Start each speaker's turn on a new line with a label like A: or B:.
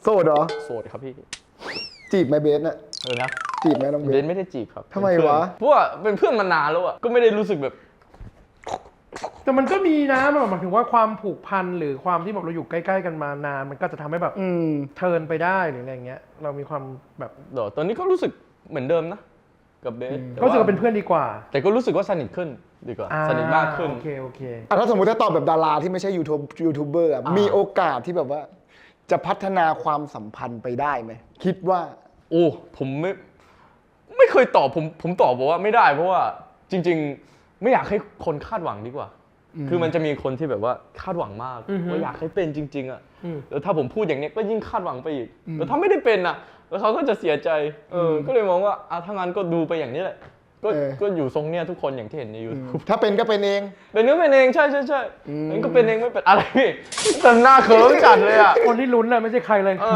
A: โสดเหรอ
B: โสดครับพี่
A: จีบไหมเบสน่ะ
B: นะ
A: จีบไหมน้องเบ
B: เบ
A: ส
B: นไม่ได้จีบครับ
A: ทำไมวะ
B: เพราะว่าเป็นเพื่อนมานานแล้วอ่ะก็ไม่ได้รู้สึกแบบ
C: แต่มันก็มีนะมันหมายถึงว่าความผูกพันหรือความที่แบบเราอยู่ใกล้ๆกันมานานมันก็จะทำให้แบบเทิร์นไปได้หรืออะไรเงี้ยเรามีความแบบ
B: เดี๋ยวตอนนี้ก็รู้สึกเหมือนเดิมนะกับเบส
C: ก็รู้สึกว่าเป็นเพื่อนดีกว่า
B: แต่ก็รู้สึกว่าสนิทขึ้นดีกว่าสนิทมากขึ้น
C: โอเค
A: ถ้าสมมติถ้าตอบแบบดาราที่ไม่ใช่ยูทูบเบอร์มีโอกาสที่แบบว่า จะพัฒนาความสัมพันธ์ไปได้ไหมคิดว่า
B: โอ้ผมไม่เคยตอบผมตอบบอกว่าไม่ได้เพราะว่าจริงๆไม่อยากให้คนคาดหวังดีกว่า คือมันจะมีคนที่แบบว่าคาดหวังมากว่าอยากให้เป็นจริงๆอ่ะแล้วถ้าผมพูดอย่างนี้ก็ยิ่งคาดหวังไปอีกแล้วถ้าไม่ได้เป็นอ่ะแล้วเขาก็จะเสียใจก็เลยมองว่าถ้างั้นก็ดูไปอย่างนี้แหละก็อยู่ทรงเนี้ยทุกคนอย่างที่เห็นใน YouTube
A: ถ้าเป็นก็เป็นเอง
B: เป็นก็เป็นเองใช่มันก็เป็นเองไม่เป็นอะไรพี่แต่หน้าเขิมจัดเลยอ่ะ
C: คนที่ลุ้นน่ะไม่ใช่ใครเลย